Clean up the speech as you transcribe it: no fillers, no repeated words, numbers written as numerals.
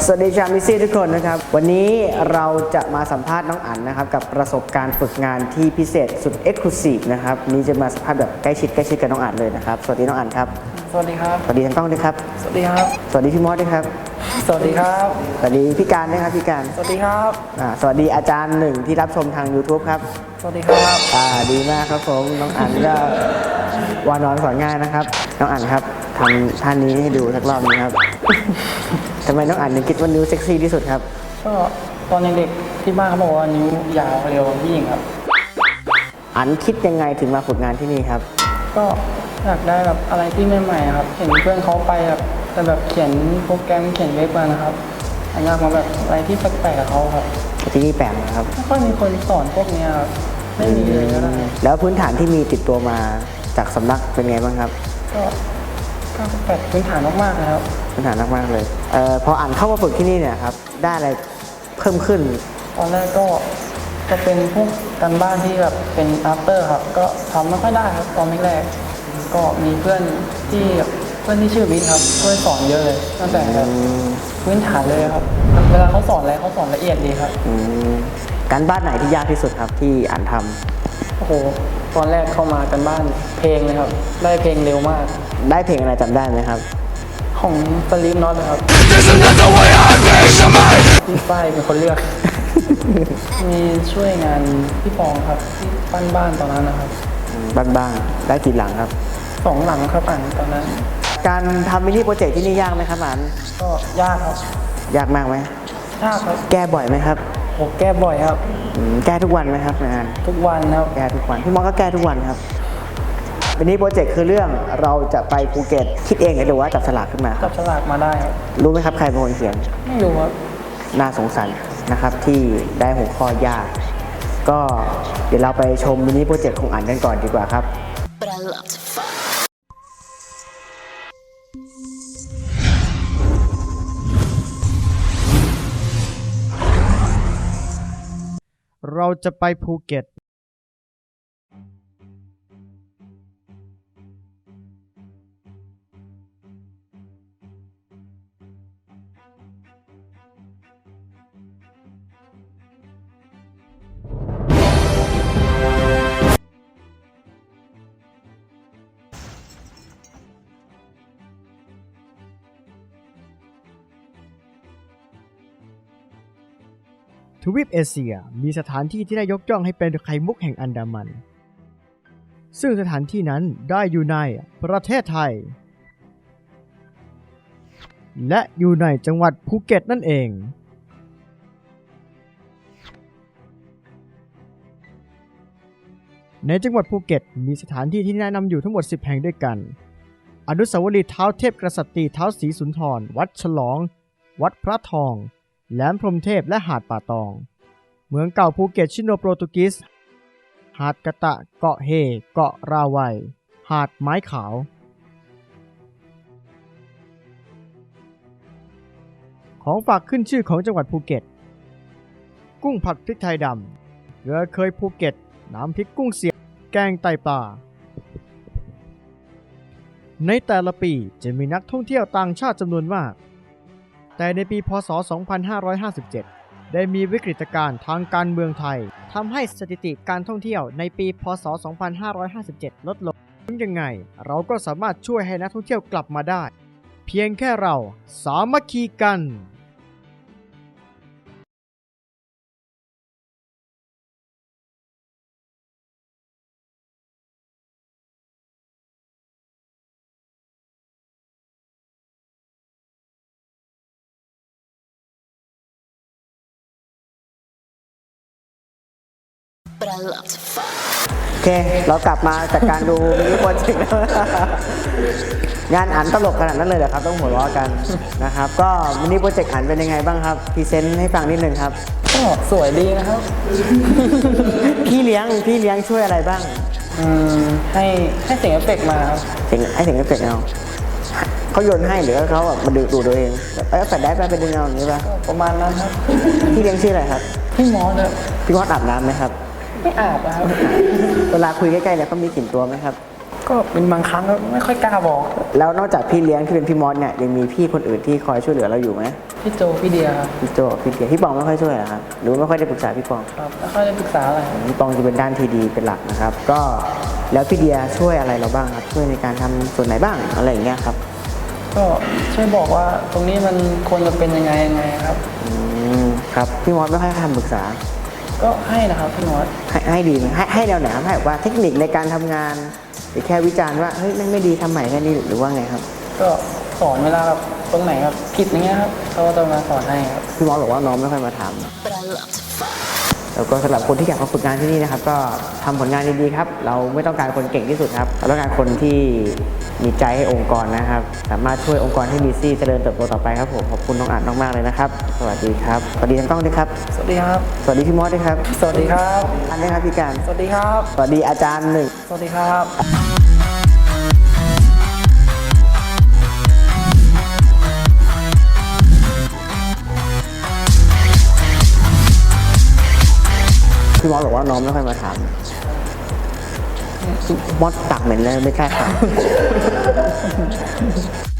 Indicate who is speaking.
Speaker 1: วัสดีชาวมิซี่ทุกคนนะครับวันนี้เราจะมาสัมภาษณ์น้องอั๋นนะครับกับประสบการณ์ฝึกงานที่พิเศษสุดเอ็กซ์คลูซีฟนะครับนี้จะมาสัมภาษณ์แบบใกล้ชิดกับน้องอั๋นเลยนะครับสวัสดีน้องอั๋นครับ
Speaker 2: สวัสดีครับ
Speaker 1: สวัสดีทางกล้องด้วยครับ
Speaker 2: สวัสดีครับ
Speaker 1: สวัสดีพี่มอสด้วยครับ
Speaker 2: สวัสดีครับ
Speaker 1: สวัสดีพี่การด้วยครับพี่การ
Speaker 2: สวัสดีครับ
Speaker 1: สวัสดีอาจารย์หนึ่งที่รับชมทาง YouTube ครับ
Speaker 2: สวัสดีครับ
Speaker 1: ดีมากครับผมน้องอั๋นก็วานอนสอนง่ายนะครับน้องอั๋นครับทำท่านี้ให้ดูสักรอบนึงครับทำไมน้องอั๋นถึงคิดว่านิ้วเซ็กซี่ที่สุดครับ
Speaker 2: ก็ตอนเด็กๆที่บ้านเขาบอกว่านิ้วยาวเร็วผู้หญิงครับ
Speaker 1: อั๋นคิดยังไงถึงมาฝึกงานที่นี่ครับ
Speaker 2: ก็อยากได้แบบอะไรที่ใหม่ๆครับเห็นเพื่อนเขาไปแบบเขียนโปรแกรมเขียนเว็บมานะครับอยากมาแบบอะไรที่แปลกๆกับเขาครับ
Speaker 1: ที่นี่แปลกนะครับ
Speaker 2: ไม่ค่อยมีคนสอนพวกนี้ครับไม่มีเลยก็ได้
Speaker 1: แล้วพื้นฐานที่มีติดตัวมาจากสำนักเป็นไงบ้างครับ
Speaker 2: ก็แบบพื้นฐานมากๆนะครับ
Speaker 1: พื้นฐานมากๆเลยพออ่านเข้ามาฝึกที่นี่เนี่ยครับได้อะไรเพิ่มขึ้น
Speaker 2: ตอนแรกก็จะเป็นพวกการบ้านที่แบบเป็น after ครับก็ทำไม่ค่อยได้ครับตอนแรกๆก็มีเพื่อนที่ชื่อวิทย์ครับเพื่อนสอนเยอะเลยตั้งแต่พื้นฐานเลยครับเวลาเขาสอนอะไรเขาสอนละเอียดดีครับ
Speaker 1: การบ้านไหนที่ยากที่สุดครับที่อ่านท
Speaker 2: ำโอ้โหตอนแรกเข้ามากันบ้านเพลงเลยครับได้เพลงเร็วมาก
Speaker 1: ได้เพลงอะไรจำได้ไหมครับ
Speaker 2: ของสลีปน็อตนะครับพี่ฝ้ายเป็นคนเลือกมีช่วยงานพี่ปองครับที่ปั้นบ้านตอนนั้นนะครับ
Speaker 1: บ้านได้กี่หลังครับ
Speaker 2: 2 หลังครับอ่านตอนนั้น
Speaker 1: การทำมินิโปรเจกต์ที่นี่ยากไหมครับอ่าน
Speaker 2: ก็ยากครับ
Speaker 1: ยากมากไหม
Speaker 2: ยากครับ
Speaker 1: แก้บ่อยไหมครับ
Speaker 2: โอ้แก้บ่อยครับ
Speaker 1: แก้ทุกวันไหมครับงาน
Speaker 2: ทุกวันครับ
Speaker 1: แก้ทุกวันพี่มอสก็แก้ทุกวันครับวันนี้โปรเจกต์คือเรื่องเราจะไปภูเก็ตคิดเองหรือว่าจับฉลากขึ้นมา
Speaker 2: จับฉลากมาได้ครับ
Speaker 1: รู้ไหมครับใครเป็นคนเขียน
Speaker 2: ไม่รู้ครับ
Speaker 1: น่าสงสารนะครับที่ได้หัวข้อยากก็เดี๋ยวเราไปชมมินิโปรเจกต์ของอั๋นกันก่อนดีกว่าครับ
Speaker 3: เราจะไปภูเก็ตทวีปเอเชียมีสถานที่ที่ได้ยกย่องให้เป็นไข่มุกแห่งอันดามันซึ่งสถานที่นั้นได้อยู่ในประเทศไทยและอยู่ในจังหวัดภูเก็ตนั่นเองในจังหวัดภูเก็ตมีสถานที่ที่แนะนำอยู่ทั้งหมด10 แห่งด้วยกันอนุสาวรีย์เท้าเทพกษัตริย์เท้าศรีสุนทรวัดฉลองวัดพระทองแหลมพรหมเทพและหาดป่าตองเมืองเก่าภูเก็ตชิโนโปรตุกิสหาดกะตะเกาะเฮเกาะราวัยหาดไม้ขาวของฝากขึ้นชื่อของจังหวัดภูเก็ตกุ้งผัดพริกไทยดำเรือเคยภูเก็ตน้ำพริกกุ้งเสียบแกงไตปลาในแต่ละปีจะมีนักท่องเที่ยวต่างชาติจำนวนมากแต่ในปีพ.ศ. 2557 ได้มีวิกฤตการณ์ทางการเมืองไทยทำให้สถิติการท่องเที่ยวในปีพ.ศ. 2557 ลดลงถึงยังไงเราก็สามารถช่วยให้นักท่องเที่ยวกลับมาได้เพียงแค่เราสามัคคีกัน
Speaker 1: โอเคเรากลับมาจากการดูมินิโปรเจกต์งานอั๋นตลกขนาดนั้นเลยเหรอครับต้องหัวเราะกันนะครับก็มินิโปรเจกต์อั๋นเป็นยังไงบ้างครับพรีเซนต์ให้ฟังนิดนึงครับ
Speaker 2: ก็สวยดีนะครับ
Speaker 1: พี่เลี้ยงช่วยอะไรบ้าง
Speaker 2: ให้เสียงเอฟเฟกต์มาครับ
Speaker 1: ให้เสียงเอฟเฟกต์เขาโยนให้หรือเขาแบบมาดูตัวเองแฟลชได้ไปดึงเอาอย่างนี้ป่ะ
Speaker 2: ประมาณนั้นครับ
Speaker 1: พี่เลี้ยงชื่ออะไรครับ
Speaker 2: พี่มอสครับ
Speaker 1: พี่มอสอาบน้ำไหมครับ
Speaker 2: ไม่อาบนะครับ
Speaker 1: เวลาคุยใกล้ๆแล้วเขามีกลิ่นตัวไหมครับ
Speaker 2: ก็เป็นบางครั้งก็ไม่ค่อยกล้าบอก
Speaker 1: แล้วนอกจากพี่เลี้ยงที่เป็นพี่มอสเนี่ยยังมีพี่คนอื่นที่คอยช่วยเหลือเราอยู่ไหม
Speaker 2: พี่โจพี่เดียครับ
Speaker 1: พี่โจพี่เกียร์พี่ปองไม่ค่อยช่วยเหรอครับหรือว่าไม่ค่อยได้ปรึกษาพี่ปอง
Speaker 2: ครับไม่ค่อยได้ปรึกษาอะไร
Speaker 1: พี่ปองจะเป็นด้านที่ดีเป็นหลักนะครับ ก็แล้วพี่เดียช่วยอะไรเราบ้างครับช่วยในการทำส่วนไหนบ้างอะไรอย่างเงี้ยครับ
Speaker 2: ก็ช่วยบอกว่าตรงนี้มันควรจะเป็นยังไงครับ
Speaker 1: ครับพี่มอสไม่ค่อยให้คำปรึกษา
Speaker 2: ก็ให้นะครับพี่มอส
Speaker 1: ให้ดีไหมให้แนวไหนครับให้แบบว่าเทคนิคในการทำงานหรือแค่วิจารณ์ว่าเฮ้ยไม่ดีทำใหม่แค่นี้หรือว่าไงครับ
Speaker 2: ก็สอนเวลาแบบตรงไหนแบบผิดอย่างเงี้ยครับเขาก็จะมาสอนให้ครับ
Speaker 1: พี่มอสบอกว่าน้องไม่ค่อยมาถามแล้วก็สำหรับคนที่อยากมาฝึกงานที่นี่นะครับ ก็ทำผลงานดีๆครับ เราไม่ต้องการคนเก่งที่สุดครับเราต้องการคนที่มีใจให้องค์กรนะครับ สามารถช่วยองค์กรให้มีซี่เจริญเติบโตต่อไปครับผมขอบคุณน้องอ่านมากๆเลยนะครับ สวัสดีครับสวัสดีทั้งกล้องด้วยครับ
Speaker 2: สวัสดีครับ
Speaker 1: สวัสดีพี่มอสด้วยครับ
Speaker 2: สวัสดีครับ
Speaker 1: อันนี้ครับพี่การ
Speaker 2: สวัสดีครับ
Speaker 1: สวัสดีอาจารย์หนึ่ง
Speaker 2: สวัสดีครับ
Speaker 1: พี่มอสบอกว่าน้องไม่ค่อยมาถามมอสตักเหม็นเลยไม่กล้าถาม